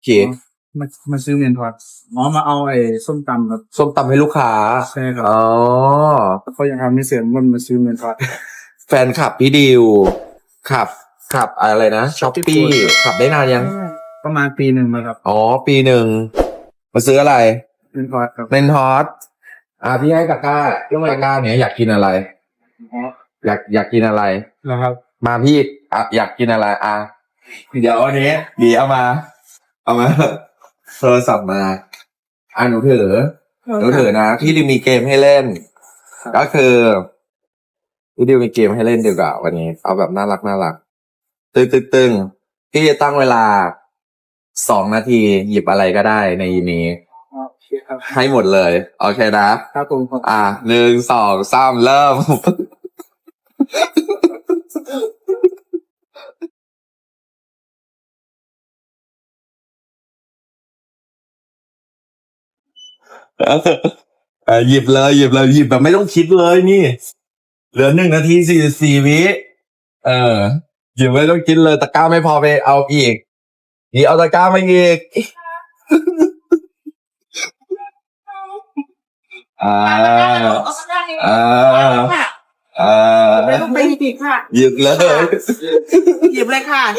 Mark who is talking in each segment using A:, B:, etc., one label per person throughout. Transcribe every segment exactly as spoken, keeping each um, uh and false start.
A: ขีด
B: มามาซื้อเมนทอดหมอมาเอาไอ้ส้มตำครับ
A: ส้มตำให้ลูกค้า
B: ใช่ครับ
A: อ๋อ
B: เขายังทำไม่เสร็จมันมาซื้อเมนทอด
A: แฟนขับพี่ดิวขับขับอะไรนะช้อปปี้ขับได้นานยัง
B: ประมาณปีหนึ่งมาครับ
A: อ๋อ ปีหนึ่งมาซื้ออะไร
B: เมนทอดครับ
A: เล่นทอสอ่าพี่ให้กาก้าเรื่องกาก้าเนี่ยอยากกินอะไร
B: อ๋อ
A: อยากอยากกินอะไร
B: แล้วครับ
A: มาพี่อ่ะอยากกินอะไรอ่ะเดี๋ยวอันนี้ดีเอามา เอามาโทรศัพท์มาอ่ะหนูถือหนูถือนะพี่ดิวมีเกมให้เล่น ก็คือพี่ดิวมีเกมให้เล่นดีกว่าวันนี้ เอาแบบน่ารักน่ารักตึงตึงตึงพี่จะตั้งเวลาสองนาทีหยิบอะไรก็ได้ในนี้
B: โอเคครับ
A: ให้หมดเลยโอเคนะครับ
B: ผมครับ
A: อ่ะหนึ่งสองสามเริ่ม เออหยิบเลยหยิบเลยหยิบแบบไม่ต้องคิดเลยนี่เหลือหนึ่งนาทีสี่สิบสี่วิเออหยิบไม่ต้องคิดเลยตะกร้าไม่พอไปเอาอีกนี่เอาตะกร้ามาอีกอ่าอ่าอ่า
C: ไปลูกไปหยิบค่ะ
A: หยิบเลย
C: หยิบเลยค่ะ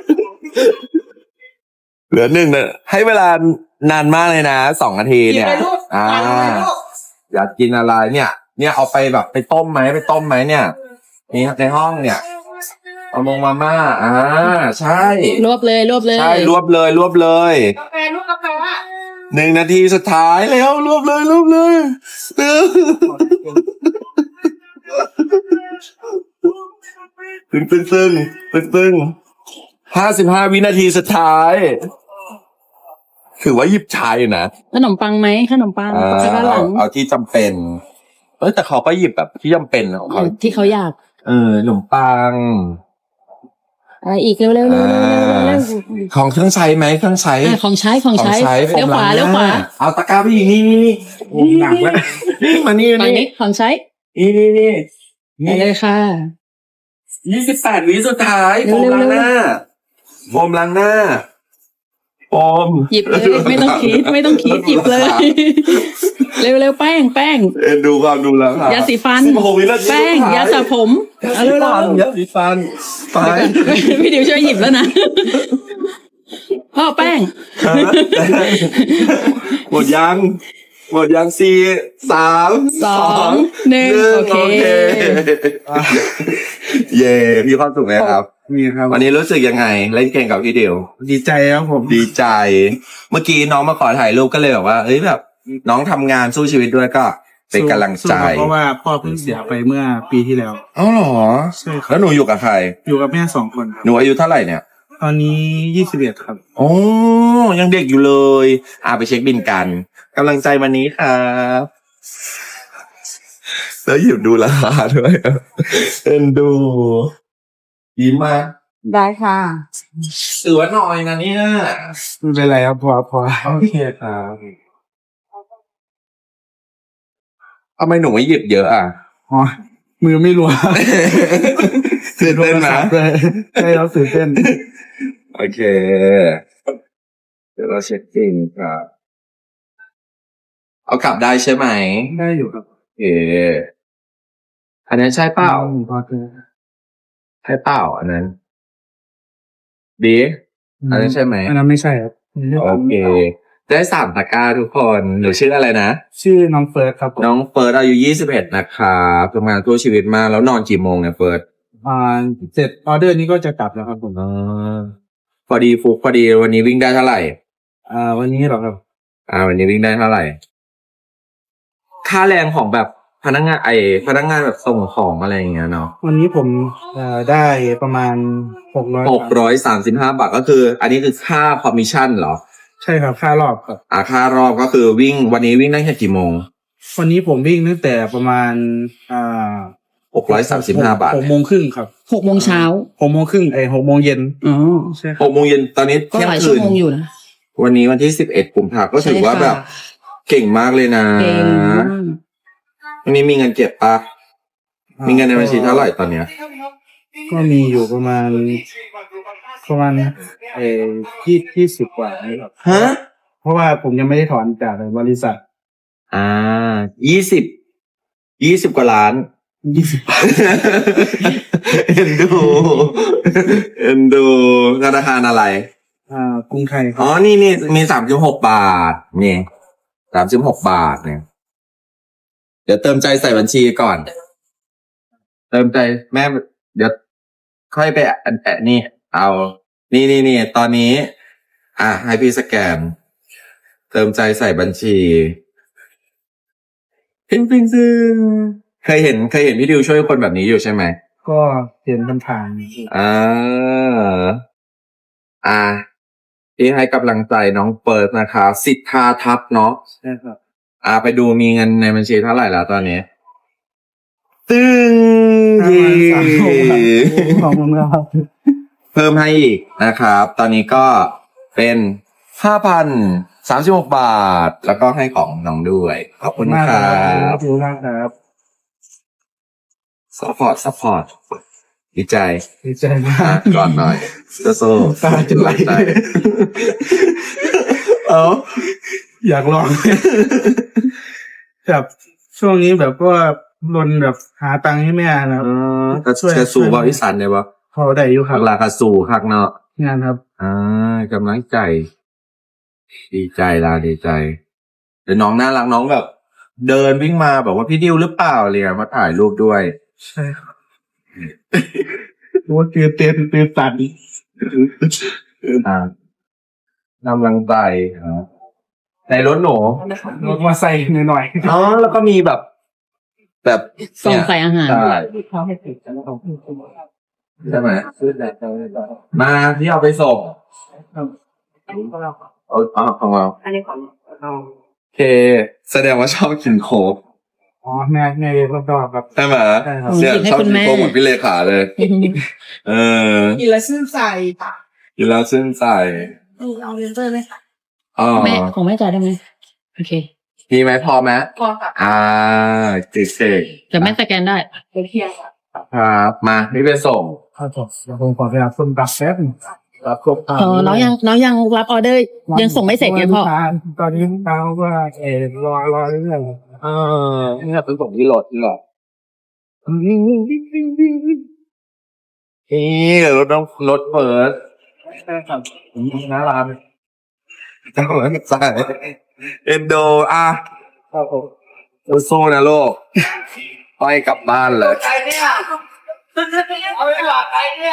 A: เหลือหนึ่งนะให้เวลานานมากเลยนะสองนาที
C: หยิบ
A: เนี่ย
C: เลยลูก
A: อ่า
C: หยิบเลยลูก
A: อยากกินอะไรเนี่ย เนี่ยเอาไปแบบไปต้มไหมไปต้มไหมเนี่ยนี่ในห้องเนี่ยเอามงมาม่าอ่าใช่
D: รวบเลยรวบเลย
A: ใช่รวบเลยรวบเลย
C: กาแฟลูกกาแฟอ่ะ
A: หนึ่งนาทีสุดท้ายแล้วรวบเลยรวบเลยเร็วตึงตึงตึงตึงตึงห้าสิบห้าวินาทีสุดท้ายถือว่าหยิบชายอยู่นะ
D: ขนมปังไหมขนมปัง
A: อ่า
D: ใช่ด้านห
A: เอา
D: ลัง
A: เอาที่จำเป็นเอ้ยแต่เขาก็หยิบแบบที่จำเป็นของเขา
D: ที่เขาอยาก
A: เออขนมปัง
D: อะไรอีกเร็วๆเร็วๆเร็วๆเร็วๆเร็ว
A: ของเครื่องใช้ไหมเครื่องใช้
D: ๆอ่ะของใช้ของใช้
A: ของ
D: เลี้ยวขวา
A: ผม
D: เลี้ยวขวา
A: เอาตะกร้าไปอีกนี่นี่นี่
B: โอ้หนักแล้ว
A: นี่มานี่
D: ฝั่ง
A: นี่
D: นี้ของใช้
A: นี่นี่นี่
D: ไปเลยค่ะ
A: ยี่สิบแปดวิสุดท้ายโฟม
D: เร็วๆ
A: ล้างหน้าโฟมล้างหน้าโฟม
D: หยิบเลยไม่ต้องคิดไม่ต้องคิดหยิบเลย เร็วๆแป้งแป้ง
A: เอ็นดูความดูแล้วค่ะ
D: ยาสีฟัน
A: สิบหกวินาที
D: แป้ง
A: สุดท้
D: ยาสระผมเอาเร็ว
A: ฟันยาสีฟันไป
D: ๆพี่ดิวช่วยหยิบแล้วนะพ่อแป้ง
A: ฮะหมดยังหมดยังสี่สาม
D: สองหนึ่งโอเค
A: เย่พี่ความสุขไหมครับ
B: มีครับ
A: วันนี้รู้สึกยังไงเล่นเกมกับพี่เดียว
B: ดีใจครับผม
A: ดีใจ เมื่อกี้น้องมาขอถ่ายรูปก็เลยแบบว่าเอ้ยแบบ น้องทำงานสู้ชีวิตด้วยก็เป็นกำลังใจ
B: สู้ครับเพราะว่าพ่อเพิ่งเสียไปเมื่อปีที่แล้ว
A: อ๋อเหรอ
B: ใช่ครับ
A: แล้วหนูอยู่กับใคร
B: อยู่กับแม่สองคนครับ
A: หนูอายุเท่าไหร่เนี่ย
B: ตอนนี้ยี่สิบเอ็ดครับ
A: โอ้ยังเด็กอยู่เลยอ่าไปเช็คบินกันกำลังใจวันนี้ครับแล้วหยิบดูราคาด้วยเอ็นดูยิ้มมาก
C: ได้ค่ะ
A: ถือว่าน้อยนะเนี่ย
B: ไม่เป็นไรครับพอพอ
A: โอเคครับทำไมหนูไม่หยิบเยอะอ่ะ
B: อ๋อมือไม่รัว
A: ตื่นเต้นนะ
B: เลยใช่เราตื่นเต้น
A: โอเค เดี๋ยวเราเช็คบินครับเอากลับได้ใช่ไหม
B: ได้อยู่ครับ
A: โอเคอันนั้นใช่เปล่า
B: พอเจอ
A: ใช่เปล่าอันนั้น ดี อันนั้นใช่ไหม
B: อันนั้นไม่ใช่ครับ
A: โอเค ได้สามตะกร้าทุกคนหนูชื่ออะไรนะ
B: ชื่อน้องเฟิร์สครับผม
A: น้องเฟิร์สอายุยี่สิบเอ็ดนะครับทำงานทั่วชีวิตมากแล้วนอนกี่โมงเนี่ยเฟิร์ส
B: อ่าเสร็จออเดอร์นี้ก็จะกลับแล้วครับผม
A: อ๋อพอดีฟุกพอดีวันนี้วิ่งได้เท่าไหร่
B: อ่า วันนี้เหรอครับ
A: อ่า วันนี้วิ่งได้เท่าไหร่ ค่าแรงของแบบพนักงานไอพนักงานแบบส่งของอะไรอย่างเงี้ยเนาะ
B: วันนี้ผมเอ่อได้ประมาณหกร้อย
A: หกร้อยสามสิบห้าบาทก็คือ อันนี้คือค่าคอมมิชชั่นเหรอ
B: ใช่ครับค่ารอบครับ
A: อ่าค่ารอบก็คือวิ่งวันนี้วิ่งได้แค่กี่โมง
B: วันนี้ผมวิ่งตั้งแต่ประมาณอ่า
A: หกร้อยสามสิบห้าบาท
B: หกโมงครึ่งครับ
D: หกโมงเช้า
B: หกโมงครึ่งเอ้ยหกโมงเย็น
D: อ๋อ
B: ใช่ค
A: ห
B: รับ
A: กโมงเย็นตอนนี้
D: ก็
A: เที่ย
D: หลาย
A: ง
D: ชั่
A: คื
D: วน โมงอยู่นะ
A: วันนี้วันที่สิบเอ็ดกุมภาก็ถือว่าแบบ เก่งมากเลยนะ
D: เก่งมาก
A: วันนี้มีเงินเก็บปะมีเงินในบัญชีเท่าไหร่ตอนเนี้ย
B: ก็มีอยู่ประมาณประมาณเอ่อยี่ยี่สิบกว่านี่ครับ
A: ฮะ
B: เพราะว่าผมยังไม่ได้ถอนจากบริษัท
A: อ่ายี่สิบยี่สิบกว่าล้าน
B: ยี่สิบ
A: เอ็นดูเอ็นดูธนาคารอะไร
B: อ่ากรุงไทยค
A: อ๋
B: รั
A: อบ นี่นี่มีสามสิบหกบาทนี่สามสิบหกบาทเนี่ย เดี๋ยวเติมใจใส่บัญชีก่อน เติมใจแม่ เดี๋ยวค่อยไปอันแอะนี่ เอา นี่นี่นี่ตอนนี้ อ่ะให้พี่สแกน เติมใจใส่บัญชีพิงพิงซึงเคยเห็นเคยเห็นพี่ดิวช่วยคนแบบนี้อยู่ใช่ไหม
B: ก็เห็นมันผ่าน
A: อ่า อ่าที่ให้กำลังใจน้องเปิดนะคะสิทธาทัพเนาะ
B: ใช่ครับ
A: อ่าไปดูมีเงินในบัญชีเท่าไหร่แล้วตอนนี้ ตึ้ง
B: ประ
A: เย่
B: มาณสามหกครับขอบคุณครับ
A: เพิ่มให้อีกนะครับ ตอนนี้ก็เป็นห้าพันสามสิบหกบาท แล้วก็ให้ของน้องด้วย ขอบคุณค
B: มาก
A: รั
B: ขอบ บคุณมากครับ
A: ซัพพอร์ตซัพพอร์ตดีใจ
B: ดีใจมา
A: อ่ะ
B: ก
A: ก่อนหน่อยโซ่
B: ตาจะไหล
A: ใจเอา
B: อยากลอง แบบช่วงนี้แบบก็รนแบบหาตังค์ให้แม่นะครับ
A: กระกระสูบริษัทเนี่ยปะ
B: พอได้อยู่ค
A: หั
B: รับ
A: กลากระสูคักเนาะ
B: งานครับ
A: อ่ากำลังใจ ดีใจละดีใจเดี๋ยวน้องน่ารักน้องแบบ เดินวิ่งมาแบบว่าพี่ดิวหรือเปล่าอะไรเลยมาถ่ายรูปด้วย
B: ใช่ครับรู้ว่าตื่นเต้นตื่นตัน
A: อ่ากำลังใจครับในรถหนู
B: รถมาใส่หน่อย
A: อ๋อแล้วก็มีแบบ แบบ
D: กล่อง
A: เนี่ย
D: ใส่อาหาร
A: ใช่ใช่ไหม
B: ๆซื้อแต่แต่
A: มาที่เอาไปส่ง
C: อันนี้ของเราค่ะ
A: เอาเอาของเรา
C: อันนี้ของเรา
A: โอเค แสดงว่าชอบกินโค้ก
B: อ๋อแม่แม่ก็ชอบครับ
A: ใช่ไหม
B: ใช่ครับ
A: เนี่ยชอบกินโค้กเหมือนพี่เลขาเลย เออ
C: กินแล้วชื่นใจค่ะ
A: กินแล้วชื่นใจ
C: นี่เอาเลนเซอร์ไหมคะ
A: อ๋อ
D: แม่ของแม่จ่ายได้ไหมโอเค
A: มีไหมพอไหม
C: ก็ค่ะ
A: อ่าเจ๋ง
D: แต่แม่สแกนได้
C: เป็นเที่ยงค่ะ
A: ๆครับมาพี่ไปส่ง
B: ข้าวสดเดี๋ยวผมขอไปรับส้มตำแป๊บหนึ่งรับครบ
D: เออน้องยังน้องยังรับออเดอร์ยังส่งไม่เสร็จไงพ่อ
B: ตอนนี้ลูกค้าเขาก็เออรอรอเรื่อย
A: เออเนี่ยเป็นส่งที่รถนี่หรอนี่รถน้องรถเปิด
B: ๆใช่ครับ
A: หน้าร้านเจ้าแล้วใจเอ็นโดอ่ะ
B: ครับผม
A: สู้ๆนะลูกไปกลับบ้านเลย
C: ใครเนี่ยเอาไปหลอกใครเนี่ย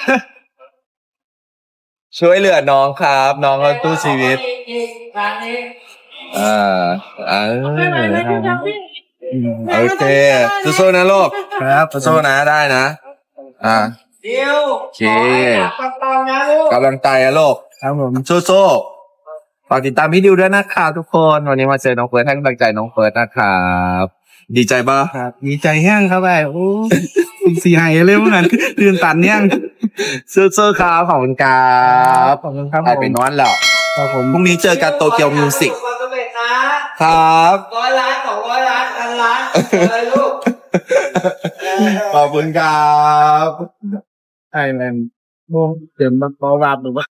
A: ช่วยเหลือน้องครับ น้องเขาตู้ชีวิต
C: ร้านนี้
A: อ่าอ่า
C: ไม่ไหวไม่ได้ทำพี่
A: โอเคสู้ๆนะลูก
B: ครับ
A: สู้ๆนะได้นะ อ่า
C: เดียว
A: โอเค
C: ปังปังนะลูก
A: กำลังใจอะลูก
B: ครับผม
A: สู้ๆฝากติดตามพี่ดิวด้วยนะครับทุกคน วันนี้มาเจอน้องเฟิร์สให้กำลังใจน้องเฟิร์สนะครับ ดีใจปะ
B: ครับดีใจแห้งครับไอ้โอ้สีหายเลยเหมือนกันตื่นตันเนี่ยง
A: สู้ๆครับขอบคุณครับ
B: ขอบคุณครับ
A: ไป
B: ผ
A: ไป
B: ม
A: นอนแล้ว
B: ครับผม
A: พรุ่งนี้เจอกันโตเกียวมิวสิก
C: ความสำเร็จนะครับ ร้อยล้านสองร้อยล้านพันล้านอะไรลูก
A: ขอบคุณครับ
B: ไอแลนด์โมเดี๋ยวมาปอวาบหรือว่า